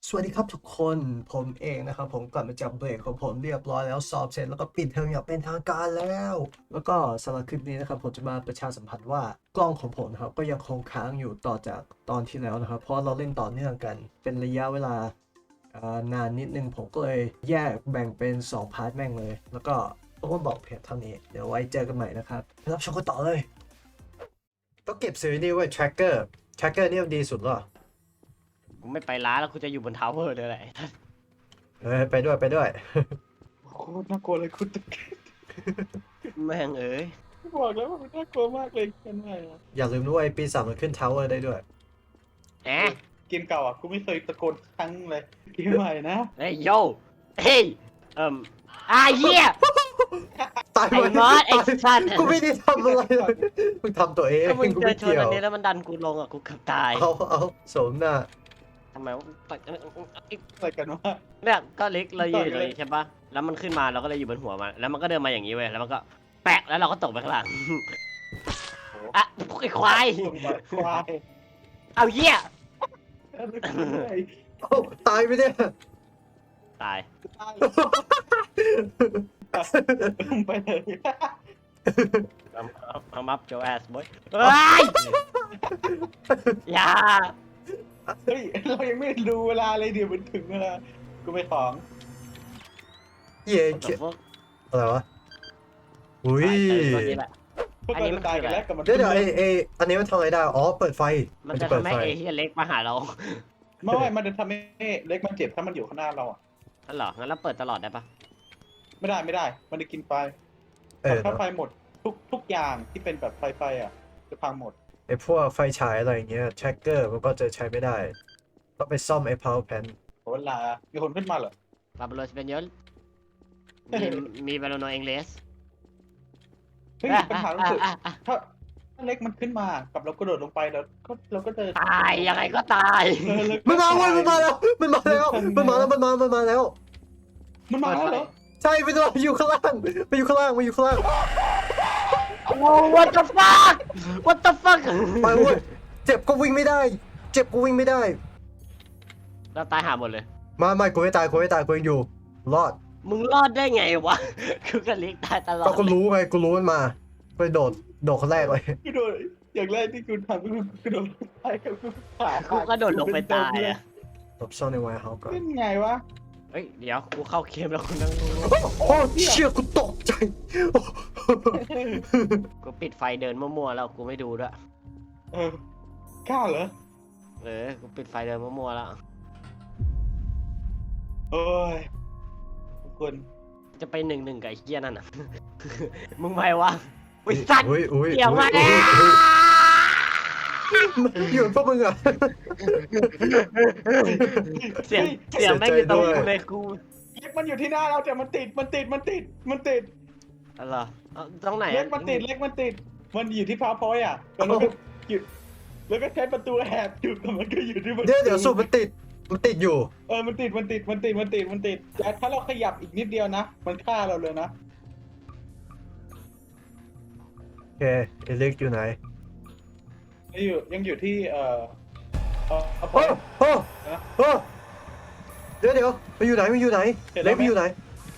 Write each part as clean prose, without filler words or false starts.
สวัสดีครับทุกคนผมเองนะครับผมกลับมาจากเบรกของผมเรียบร้อยแล้วสอบเสร็จแล้วก็ปิดเทอมอย่างเป็นทางการแล้วก็สำหรับคลิปนี้นะครับผมจะมาประชาสัมพันธ์ว่ากล้องของผมนะครับก็ยังคงค้างอยู่ต่อจากตอนที่แล้วนะครับเพราะเราเล่นต่อเนื่องกันเป็นระยะเวลานานนิดนึงผมก็เลยแยกแบ่งเป็น2พาร์ทแม่งเลยแล้วก็ต้องมาบอกเพียงเท่านี้เดี๋ยวไว้เจอกันใหม่นะครับไปรับชมกันต่อเลยต้องเก็บซีรีส์ไว้ tracker นี่มันดีสุดหรอกูไม่ไปร้านแล้วกูจะอยู่บนทาวเวอร์เลยแหละไปด้วยโคตรน่ากลัวเลยคุณตะเกียบแม่งเอ้ยบอกแล้วว่ามันน่ากลัวมากเลยเกมใหม่อะอย่าลืมด้วยปีศาจมันขึ้นทาวเวอร์ได้ด้วยแอะเกมเก่าอ่ะกูไม่เคยตะโกนครั้งเลยเกมใหม่นะเฮ้ยโยเฮ้ยเหี้ยตายไอ้มอสไอ้สัตว์กูไม่ได้ทำอะไรเลยมึงทำตัวเองถ้ามึงกูเจอไม่ชนเกี่ยวอันนี้แล้วมันดันกูลงอ่ะกูเกือบตายเอาสมหน้าทำไมวะอะไรกันวะเนี่ยก็เล็กเรายืนอยู่ตรงนี้ใช่ปะแล้วมันขึ้นมาเราก็เลยอยู่บนหัวมันแล้วมันก็เดินมาอย่างนี้เว้ยแล้วมันก็แปะแล้วเราก็ตกไปข้างหลังอ่ะไอ้ควายควายเอาเหี้ยเอ้าตายไปเนี่ยตายตายลงไปเลยเอามับโจแอสบอยเฮ้ยอย่าเฮ้ยเรายังไม่รู้เวลาเลยเดี๋ยวมันถึงเวลากูไปของเย่อะไรวะอุ้ยตัวนี้แหละพวกเราจะตายกันแล้วกับมันเดี๋ยวอันนี้มันทำอะไรได้อ๋อเปิดไฟมันจะเปิดทำให้ไฟเอเฮียเล็กมาหาเราไม่มันจะทำให้เล็กมันเจ็บถ้ามันอยู่ข้างหน้าเราอ่ะนั่นเหรอ งั้นเราเปิดตลอดได้ปะไม่ได้มันจะกินไฟเออถ้าไฟหมดทุกอย่างที่เป็นแบบไฟอ่ะจะพังหมดไอพวกไฟฉายอะไรอย่างเงี้ยแทร็กเกอร์มันก็จะใช้ไม่ได้ต้องไปซ่อมไอ้ power pan เวลามีคนขึ้นมาเหรอบาบาโลสเปนยอลมีบาโลโนเองเลสเฮ้ยปัญหาคือถ้าเล็กมันขึ้นมากับเรากระโดดลงไปแล้วก็เราก็จะตายยังไงก็ตายมันมาเว้ยมันมาแล้วมันมาแล้วมันมาแล้วมันมาแล้วมันมาแล้วเหรอใช่ไปตัวอยู่ข้างล่างไปอยู่ข้างล่างมาอยู่ข้างล่างโอ้ what the fuck what the fuck ไปเว้ยเจ็บก็วิ่งไม่ได้ เจ็บก็วิ่งไม่ได้เราตายหาหมดเลยไม่กูไม่ตายกูยังอยู่ รอดมึงรอดได้ไงวะ คือกับเล็กตายตลอดก็กูรู้ไงกูรู้มันมาไปโดดคนแรกเลยกระโดดอย่างแรกที่คุณทำก็คือกระโดดไปกับกูขากูกระโดดลงไปตายอ่ะหลบซ่อนในไวน์เฮาส์ก่อนเป็นไงวะเฮ้ย เดี๋ยวกูเข้าเกมแล้วกูนั่งดูโอ้เชี่ยกูตกใจกูปิดไฟเดินมั่วๆแล้วกูไม่ดูด้วยกล้าเหรอกูปิดไฟเดินมั่วๆแล้วโอ้ยทุกคนจะไป1-1กับไอ้เหี้ยนั่นน่ะ มึงไม่วะอุ้ยสัตว์อุ้ยเดี๋ยวมาแล้วอยู่พวกมึงอ่ะเสียงแม่งอยู่ตรงกูเลยกูเล็กมันอยู่ที่หน้าเราแต่มันติดอะไรตรงไหนเล็กมันติดมันอยู่ที่พาวพอยต์อ่ะแล้วก็หยุดแล้วก็ใช้ประตูแอบอยู่แต่มันก็อยู่ที่ประตูเดี๋ยวสูบมันติดอยู่มันติดแต่ถ้าเราขยับอีกนิดเดียวนะมันฆ่าเราเลยนะโอเคเอลิกอยู่ไหนยังอยู่ที่เอาโอ้โอ้เดี๋ยวมันอยู่ไหนเล็กมันอยู่ไหน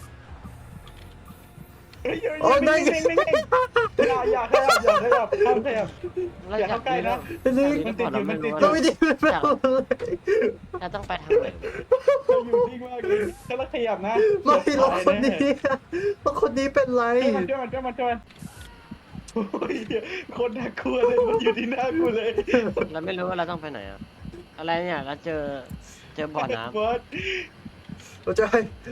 โอ้นั่นไงอย่าขยับห้ามขยับ อย่าเข้าใกล้นะเอลิกมันติดเราไม่ได้เราต้องไปทางไหนเราอยู่นิ่งมากเลยถ้าเราขยับนะไม่เราคนนี้เป็นไรช่วยมันโอ้ยคนน่ากลัวเลยมันอยู่ที่หน้ากูเลยเราไม่รู้ว่าเราต้องไปไหนอะอะไรเนี่ยเราเจอบ่อน้บอสเราจะให้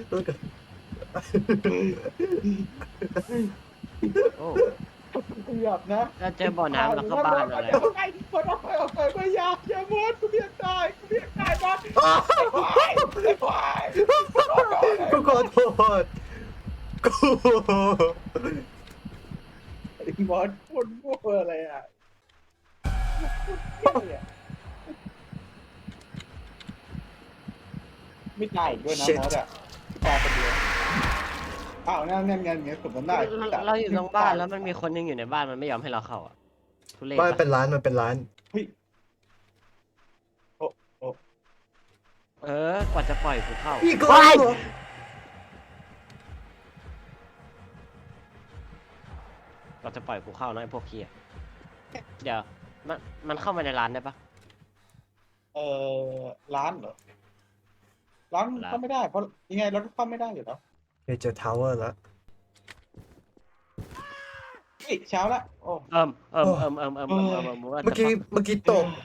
ำโอ้ขยับนะเราเจอบ่อน้ำแล้วก็บ้านอะไรออกไปไม่อย่าบอสกูเพียงตายบอสควายกูขอโทษกูบอสพูดมั่วอะไรอ่ะไม่ตายอีกด้วยนะบอสอ่ะตายคนเดียวอ้าวงั้นสมมติได้เราอยู่ตรงบ้านแล้วมันมีคนยังอยู่ในบ้านมันไม่ยอมให้เราเข้าอ่ะทุเรศบ้านปะเป็นร้านมันเป็นร้านเฮ้ยโอ้โอ้กว่าจะปล่อยกูเข้าอีกแล้วว้ายเหรอกว่าจะปล่อยกูเข้านะไอ้พวกเคียเดี๋ยวมันเข้ามาในร้านได้ปะเออร้านเหรอร้านเข้าไม่ได้เพราะยังไงเราก็เข้าไม่ได้อยู่แล้วเจอทาวเวอร์แล้วเฮ้ยเช้าละโอ้เมื่อกี้ตก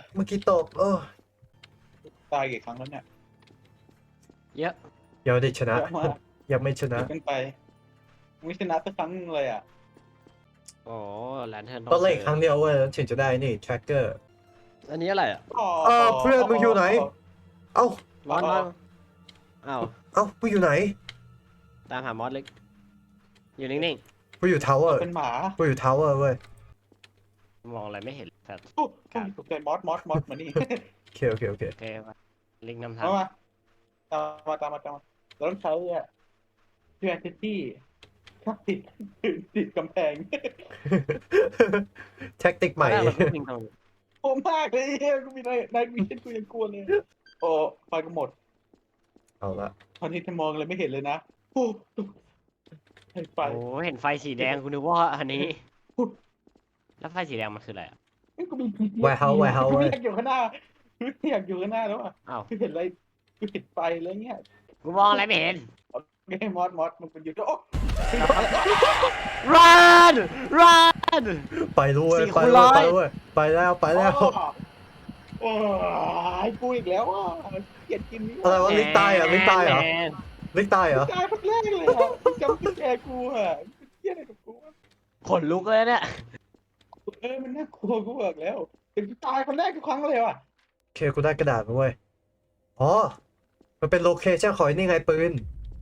ตายกี่ครั้งแล้วเนี่ยเยอะยังไม่ได้ชนะเยอะมากยังไม่ชนะเยอะเกินไปไม่ชนะสักครั้งนึงเลยอ่ะโอ้แลนเทิร์นต้องเล่นครั้งเดียวเว้ยถึงจะได้นี่ tracker อันนี้อะไรอ่ะเพื่อนมึงอยู่ไหน เอ้ามอสอ้าวมึงอยู่ไหนตามหามอสเล็ก อยู่นิ่งกูอยู่ทาวเวอร์เป็นหมากูอยู่ทาวเวอร์เว้ยๆ มองอะไรไม่เห็นแต่โอ้ตกใจมอสมานี่โอเคป่ะลิงนำทางมาตามมาเราต้องใช้เพื่อนที่ครับติดกำแพงแท็กติกใหม่ตอนแรกเราก็วิ่งตรงโหมากเลยเฮียกูมีนายวิเช่นกูยังกลัวเลยโอ้ไฟก็หมดเอาละตอนนี้จะมองอะไรไม่เห็นเลยนะโอ้ไฟโอ้เห็นไฟสีแดงกูนึกว่าอันนี้ แล้วไฟสีแดงมันคืออะไรอ่ะกูมีพีไวเฮาไวเฮากูเว้ไม่ยอยากอยู่ข้างหน้ากูไม่อยากอยู่ข้างหน้าแล้วอ่ะอ้าวกูเห็นอะไรกูเห็นไฟแล้วเนี่ยกูมองอะไรไม่เห็นไม่ให้มอสมันเป็นอยู่โอ้ run run ไปด้วย 4 ไปคูณด้วย 100 ไปด้วยไปแล้วโอ้ยกูอีกแล้วอ่ะเกลียดกินนี่อะไรวะลิงตายเหรอลิงตายเหรอแมนลิงตายเหรอตายคนแรกเลยอ่ะจำกุญแจกูอ่ะเกลียดอะไรกับกูอ่ะขนลุกเลยเนี่ยมันน่ากลัวกูบอกแล้วเป็นตายคนแรกทุกครั้งเลยว่ะโอเคกูได้กระดาษมาเว้ยอ๋อมันเป็นโลเคชั่นของไอ้นี่ไงปืน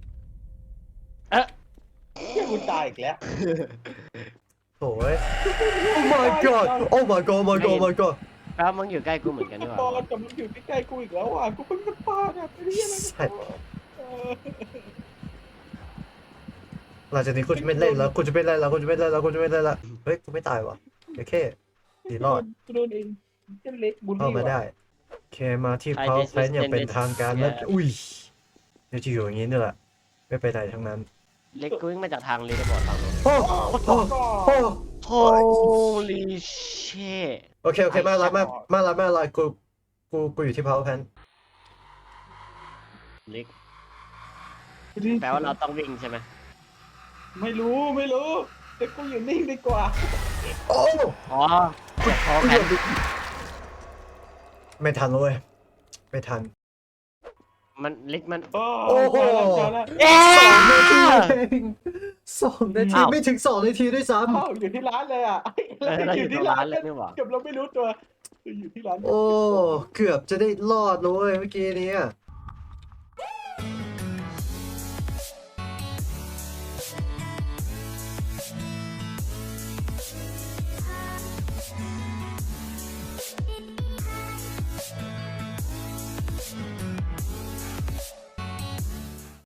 เฮียกูตายอีกแล้วโถ่เว้ย Oh my god Oh my god Oh my god Oh my god แล้วมึงอยู่ใกล้กูเหมือนกันนี่หบอว่าลกำลังอยู่ใกล้ๆกูอีกแล้วอ่ะกูเพิ่งปาดอ่ะไอ้เหี้ยอะไรกันเออหลังจากนี้กูจะไม่เล่นแล้วกูจะไม่เล่นแล้วเฮ้ยกูไม่ตายวะโอเคดีรอดกูโดนเองเจ้าเล็กบุลเข้าลี่มาได้ว่ะโอเคมาที่ power plant อย่างเป็นทางการแล้วอุ้ยเดี๋ยวจะอยู่อย่างนี้นี่แหละไม่ไปไหนทั้งนั้นเล็กกูวิ่งมาจากทางลีดบอร์ดฝั่งนู้นโอ้โอ้โอ้ Holy shit โอเคมาละกูอยู่ที่ power plant เล็กแปลว่าเราต้องวิ่งใช่ไหมไม่รู้แต่กูอยู่นิ่งดีกว่าโอ้อ๋อพอแผนไม่ทันเลยไม่ทันมันเล็กมันโอ้โหเจอแล้วเอ๊ 2 นาทีไม่ถึง2 นาทีด้วยซ้อ้าวอยู่ที่ร้านเลยอ่ะเราอยู่ที่ร้านเลยนี่หว่าเกือบเราไม่รู้ตัวอยู่ที่ร้านำโอ้เกือบจะได้รอดเลยเมื่อกี้นี้